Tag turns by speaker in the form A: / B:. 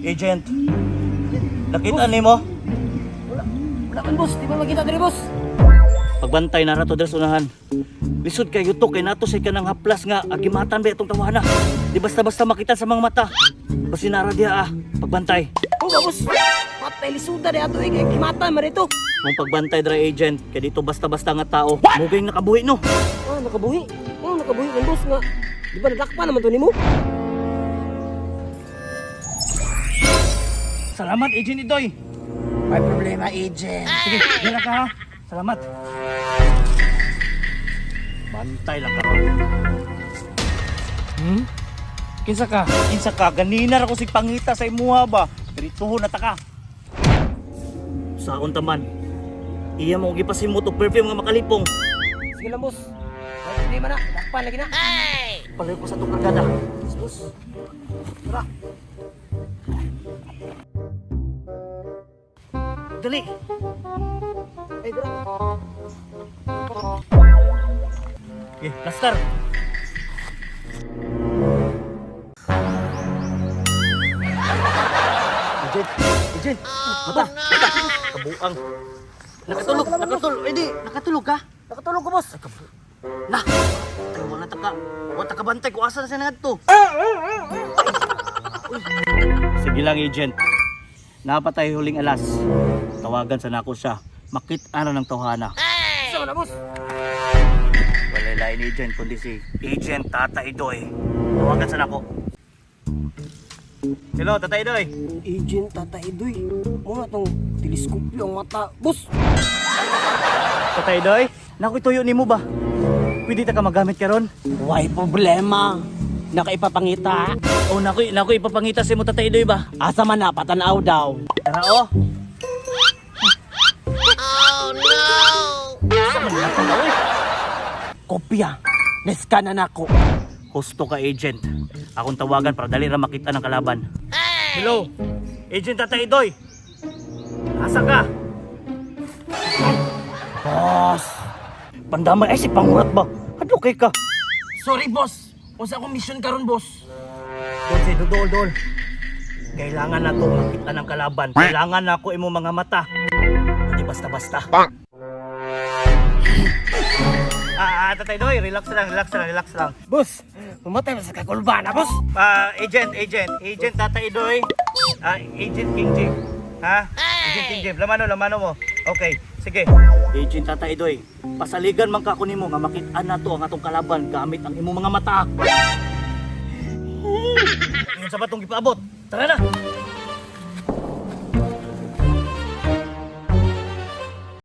A: Agent, nakita ni mo?
B: Wala man boss, di ba makita diri boss?
A: Pagbantay na rato dres unahan. Lisod kay yuto kay nato say kanang haplas nga agimatan ba itong tawana. Di basta-basta makita sa mga mata. Basi nara diha pagbantay.
B: Oo ba boss? Patay lisuda di ato kimata man ito.
A: Mong pagbantay dra agent kay dito basta-basta nga tao. Mugay nakabuhi no.
B: Ah, nakabuhi. Oo, nakabuhi man boss nga. Di ba nadakpa naman to nimo?
A: Salamat agent Idoy.
B: May problema, agent.
A: Sige, dira ka ha. Salamat. Bantay lang karon.
B: Kinsa ka?
A: Kinsa ka ganina ra ko sig pangita sa imuha ba? Dirituhon na ta ka. Saon taman. Iya mo gipasimot og perfume nga makalipong.
B: Sige lang boss. May problema na, dakpan lagi na.
A: Palayo ko sa itong kargada.
B: Boss. Tara.
A: Dali.
B: Ay, tara.
A: Okay, plaster. Agent. Mata. Kabuang. Nakatulog. Eh di, nakatulog ka?
B: Nakatulog ko boss.
A: Nah. Tayo wala taka. Wala taka bantay ko asa na siya ngadto. Sige lang, agent. Napatay huling alas. Tawagan sa nako siya. Makit-ana ng tawhana.
B: Saan na boss?
A: Wala lain agent kundi si Agent Tata Idoy. Tawagan sa nako. Hello, Tata Idoy.
B: Agent Tata Idoy. Mga tong teleskopyo ang mata. Boss!
A: Tata Idoy, naku ituyo nimo ba? Pwede ta ka magamit karon?
B: Why problema? Nakaipapangita.
A: Oh, naku ipapangita sa mo Tata Idoy ba?
B: Asa man na, patanaw daw.
A: Tara oh. Oh no.
B: Kopya. Neskan na nako.
A: Husto ka agent. Akong tawagan para dali ra makita ng kalaban. Hello. Agent Tata Idoy. Asa ka?
B: Boss!
A: Pandamay ay si pangurat ba? Hadlo kay ka.
B: Sorry boss. Unsa akong mission karon boss?
A: Dol. Kailangan na to makita ng kalaban. Kailangan na ako imo mga mata. Hindi basta-basta. Tatay Doy, relax lang.
B: Boss! Pumatay sa kakulbana boss!
A: Agent Tatay Doy. Agent King J. Ha? Agent King J, lamano mo. Okay, sige. Agent Tatay Doy, pasaligan man ka ko nimo nga makita na to ang atong kalaban gamit ang imo mga mata. Yun sa batong gipaabot. Tara na.